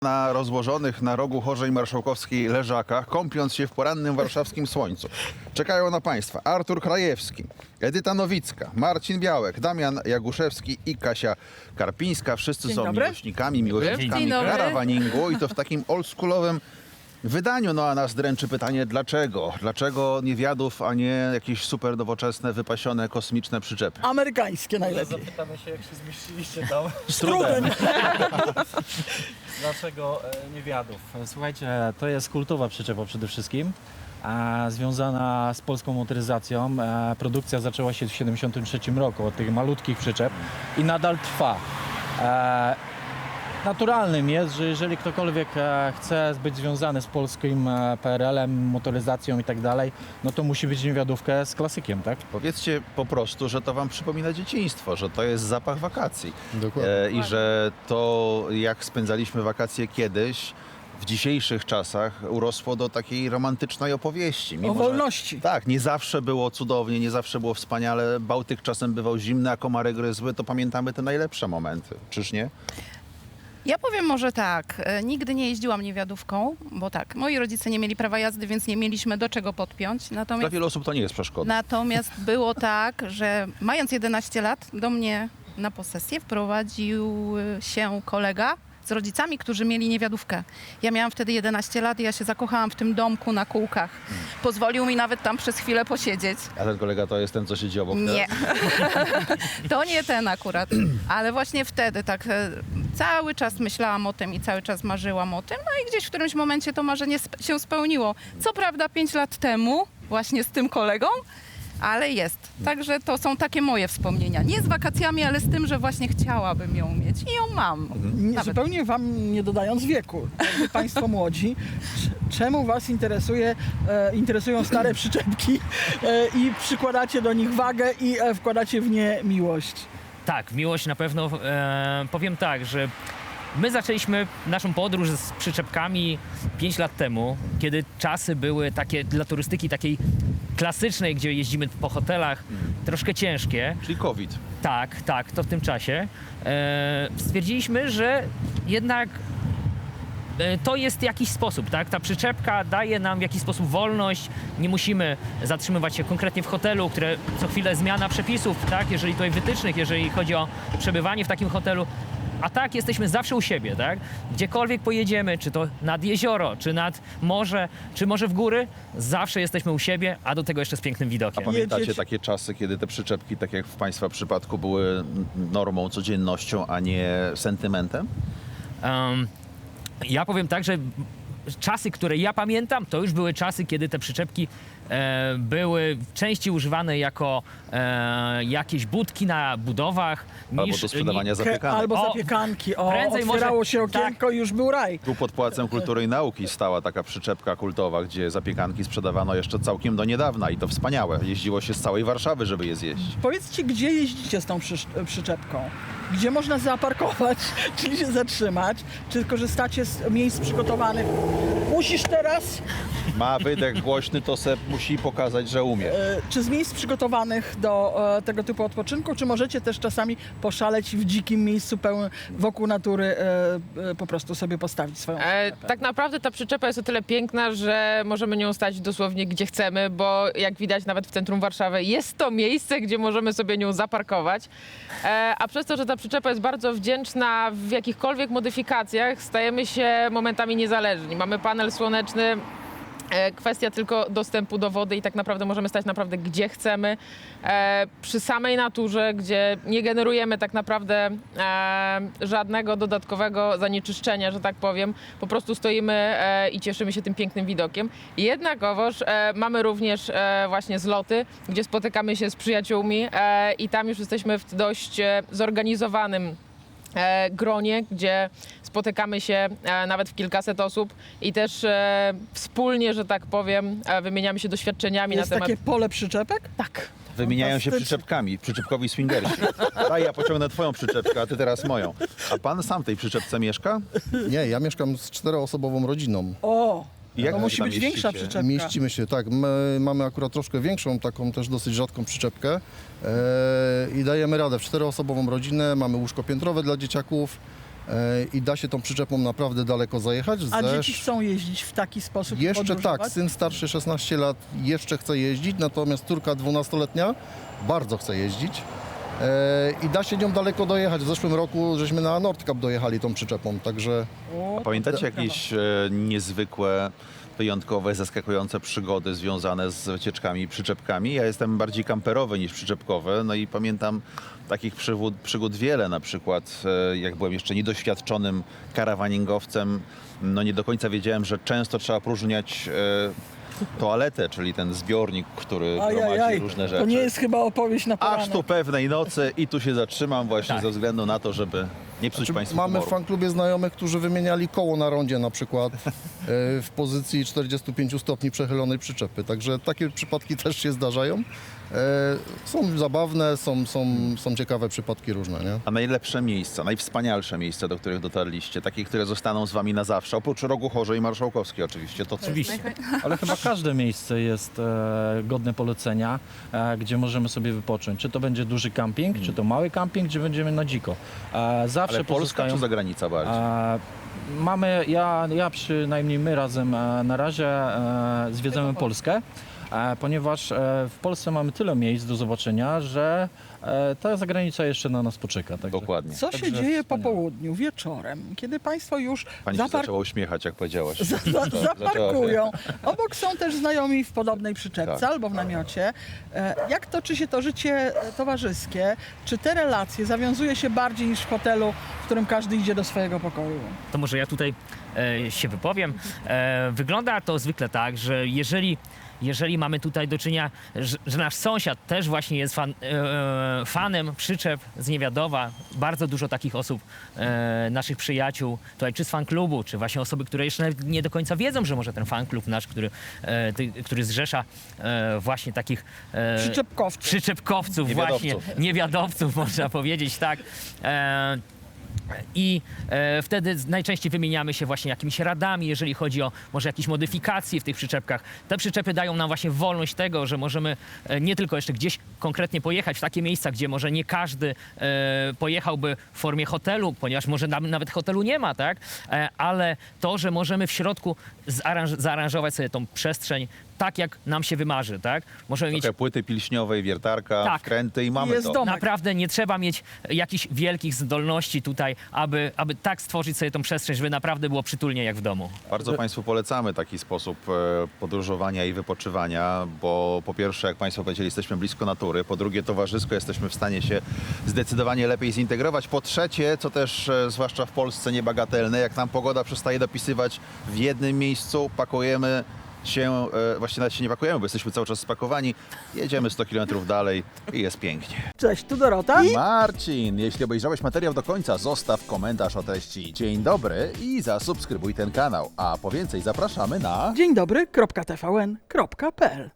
Na rozłożonych na rogu Chorzej Marszałkowskiej leżakach, kąpiąc się w porannym warszawskim słońcu. Czekają na Państwa Artur Krajewski, Edyta Nowicka, Marcin Białek, Damian Jaguszewski i Kasia Karpińska. Wszyscy Dzień są dobry. miłośnikami Dzień dobry. karawaningu i to w takim oldschoolowym wydaniu. No a nas dręczy pytanie, dlaczego? Dlaczego niewiadów, a nie jakieś super nowoczesne, wypasione, kosmiczne przyczepy? Amerykańskie najlepiej. Zapytamy się, jak się zmieściliście tam. Z trudem. Dlaczego niewiadów? Słuchajcie, to jest kultowa przyczepa przede wszystkim, związana z polską motoryzacją. Produkcja zaczęła się w 1973 roku od tych malutkich przyczep i nadal trwa. Naturalnym jest, że jeżeli ktokolwiek chce być związany z polskim PRL-em, motoryzacją i tak dalej, no to musi być niewiadówkę z klasykiem, tak? Powiedzcie po prostu, że to wam przypomina dzieciństwo, że to jest zapach wakacji. Dokładnie. I że to, jak spędzaliśmy wakacje kiedyś, w dzisiejszych czasach urosło do takiej romantycznej opowieści. O że- wolności. Tak, nie zawsze było cudownie, nie zawsze było wspaniale. Bałtyk czasem bywał zimny, a komary gryzły, to pamiętamy te najlepsze momenty. Czyż nie? Ja powiem może tak, nigdy nie jeździłam niewiadówką, bo tak, moi rodzice nie mieli prawa jazdy, więc nie mieliśmy do czego podpiąć. Dla Natomiast, wielu osób to nie jest przeszkoda. natomiast było tak, że mając 11 lat do mnie na posesję wprowadził się kolega z rodzicami, którzy mieli niewiadówkę. Ja miałam wtedy 11 lat i ja się zakochałam w tym domku na kółkach. Pozwolił mi nawet tam przez chwilę posiedzieć. A ten kolega to jest ten, co siedzi obok. Nie, to nie ten akurat, ale właśnie wtedy tak cały czas myślałam o tym i cały czas marzyłam o tym, no i gdzieś w którymś momencie to marzenie się spełniło. Co prawda 5 lat temu, właśnie z tym kolegą, ale jest. Także to są takie moje wspomnienia. Nie z wakacjami, ale z tym, że właśnie chciałabym ją mieć i ją mam. Nie, Nawet. zupełnie wam nie dodając wieku, jakby państwo młodzi, czemu was interesują stare przyczepki i przykładacie do nich wagę i wkładacie w nie miłość? Tak, miłość na pewno. Powiem tak, że my zaczęliśmy naszą podróż z przyczepkami 5 lat temu, kiedy czasy były takie dla turystyki takiej klasycznej, gdzie jeździmy po hotelach, troszkę ciężkie. Czyli COVID. Tak, to w tym czasie. Stwierdziliśmy, że jednak to jest jakiś sposób, tak? Ta przyczepka daje nam w jakiś sposób wolność, nie musimy zatrzymywać się konkretnie w hotelu, które co chwilę zmiana przepisów, tak? Jeżeli to wytycznych, jeżeli chodzi o przebywanie w takim hotelu. A tak, jesteśmy zawsze u siebie, tak? Gdziekolwiek pojedziemy, czy to nad jezioro, czy nad morze, czy może w góry, zawsze jesteśmy u siebie, a do tego jeszcze z pięknym A widokiem. pamiętacie Jedziecie- takie czasy, kiedy te przyczepki, tak jak w Państwa przypadku, były normą, codziennością, a nie sentymentem? Ja powiem tak, że czasy, które ja pamiętam, to już były czasy, kiedy te przyczepki były częściej używane jako jakieś budki na budowach. Albo do sprzedawania zapiekanek. Albo O, zapiekanki. prędzej może- Otwierało się okienko i już był raj. Tu pod Pałacem Kultury i Nauki stała taka przyczepka kultowa, gdzie zapiekanki sprzedawano jeszcze całkiem do niedawna i to wspaniałe. Jeździło się z całej Warszawy, żeby je zjeść. Powiedzcie, gdzie jeździcie z tą przyczepką? Gdzie można zaparkować, czyli się zatrzymać? Czy korzystacie z miejsc przygotowanych? Musisz teraz? Ma wydech głośny, to se musi pokazać, że umie. Czy z miejsc przygotowanych do tego typu odpoczynku, czy możecie też czasami poszaleć i w dzikim miejscu wokół natury po prostu sobie postawić swoją przyczepę? Tak naprawdę ta przyczepa jest o tyle piękna, że możemy nią stać dosłownie gdzie chcemy, bo jak widać nawet w centrum Warszawy jest to miejsce, gdzie możemy sobie nią zaparkować. A przez to, że ta przyczepa jest bardzo wdzięczna w jakichkolwiek modyfikacjach, stajemy się momentami niezależni. Mamy panel słoneczny, kwestia tylko dostępu do wody i tak naprawdę możemy stać naprawdę gdzie chcemy, przy samej naturze, gdzie nie generujemy tak naprawdę żadnego dodatkowego zanieczyszczenia, że tak powiem. Po prostu stoimy i cieszymy się tym pięknym widokiem. Jednakowoż mamy również właśnie zloty, gdzie spotykamy się z przyjaciółmi i tam już jesteśmy w dość zorganizowanym gronie, gdzie spotykamy się nawet w kilkaset osób i też wspólnie, że tak powiem, wymieniamy się doświadczeniami Jest na temat... takie pole przyczepek? Tak. Wymieniają się Fantastycznie. przyczepkami, przyczepkowi swingersi. Daj, ja pociągnę twoją przyczepkę, a ty teraz moją. A pan sam w tej przyczepce mieszka? Nie, ja mieszkam z 4-osobową rodziną. O! I jak To wy musi tam być większa mieścicie? przyczepka. Mieścimy się, tak. My mamy akurat troszkę większą, taką też dosyć rzadką przyczepkę i dajemy radę w 4-osobową rodzinę. Mamy łóżko piętrowe dla dzieciaków. i da się tą przyczepą naprawdę daleko zajechać. A dzieci chcą jeździć w taki sposób? Jeszcze podróżować? tak, syn starszy 16 lat jeszcze chce jeździć, natomiast córka 12-letnia bardzo chce jeździć. I da się nią daleko dojechać. W zeszłym roku żeśmy na Nordcup dojechali tą przyczepą, także O, Pamiętacie jakieś niezwykłe, wyjątkowe, zaskakujące przygody związane z wycieczkami i przyczepkami? Ja jestem bardziej kamperowy niż przyczepkowy, no i pamiętam takich przygód wiele, na przykład jak byłem jeszcze niedoświadczonym karawaningowcem, no nie do końca wiedziałem, że często trzeba próżniać toaletę, czyli ten zbiornik, który gromadzi różne rzeczy. To nie jest chyba opowieść na poranek. Aż tu pewnej nocy i tu się zatrzymam właśnie Tak. ze względu na to, żeby nie psuć Państwu mamy w humoru. fanklubie znajomych, którzy wymieniali koło na rondzie na przykład w pozycji 45 stopni przechylonej przyczepy. Także takie przypadki też się zdarzają. Są zabawne, są ciekawe przypadki różne, nie? A najlepsze miejsca, najwspanialsze miejsca, do których dotarliście, takie, które zostaną z Wami na zawsze, oprócz Rogu Chorzej Marszałkowskiej oczywiście, to co? Oczywiście. Ale chyba każde miejsce jest godne polecenia, gdzie możemy sobie wypocząć. Czy to będzie duży camping, czy to mały camping, gdzie będziemy na dziko. Zawsze Ale Polska pozostają... czy zagranica bardziej? Mamy, ja przynajmniej my razem na razie zwiedzamy Polskę, ponieważ w Polsce mamy tyle miejsc do zobaczenia, że ta zagranica jeszcze na nas poczeka. Także, Dokładnie. Co się Także dzieje po wspaniale. południu, wieczorem, kiedy Państwo już Pani się zaczęła uśmiechać, jak powiedziałaś. zaparkują? Obok są też znajomi w podobnej przyczepce Tak. albo w namiocie. Jak toczy się to życie towarzyskie? Czy te relacje zawiązuje się bardziej niż w hotelu, w którym każdy idzie do swojego pokoju? To może ja tutaj się wypowiem. Wygląda to zwykle tak, że jeżeli mamy tutaj do czynienia, że nasz sąsiad też właśnie jest fanem przyczep z Niewiadowa, bardzo dużo takich osób, naszych przyjaciół, tutaj czy z fanklubu, czy właśnie osoby, które jeszcze nawet nie do końca wiedzą, że może ten fanklub nasz, który zrzesza właśnie takich Przyczepkowców. właśnie, niewiadowców można powiedzieć, tak. I wtedy najczęściej wymieniamy się właśnie jakimiś radami, jeżeli chodzi o może jakieś modyfikacje w tych przyczepkach. Te przyczepy dają nam właśnie wolność tego, że możemy nie tylko jeszcze gdzieś konkretnie pojechać w takie miejsca, gdzie może nie każdy pojechałby w formie hotelu, ponieważ może nawet hotelu nie ma, tak? Ale to, że możemy w środku zaaranżować sobie tą przestrzeń tak, jak nam się wymarzy, tak? Możemy mieć Trochę płyty pilśniowej, wiertarka, Tak. wkręty i mamy Jest to. dom. naprawdę nie trzeba mieć jakichś wielkich zdolności tutaj, aby tak stworzyć sobie tą przestrzeń, żeby naprawdę było przytulnie jak w domu. Bardzo Państwu polecamy taki sposób podróżowania i wypoczywania, bo po pierwsze, jak Państwo powiedzieli, jesteśmy blisko natury, po drugie, towarzysko jesteśmy w stanie się zdecydowanie lepiej zintegrować, po trzecie, co też zwłaszcza w Polsce niebagatelne, jak nam pogoda przestaje dopisywać w jednym miejscu, pakujemy się, właściwie nawet się nie pakujemy, bo jesteśmy cały czas spakowani, jedziemy 100 km dalej i jest pięknie. Cześć, tu Dorota. Marcin, jeśli obejrzałeś materiał do końca, zostaw komentarz o treści dzień dobry i zasubskrybuj ten kanał. A po więcej zapraszamy na... Dzień dobry, .tvn.pl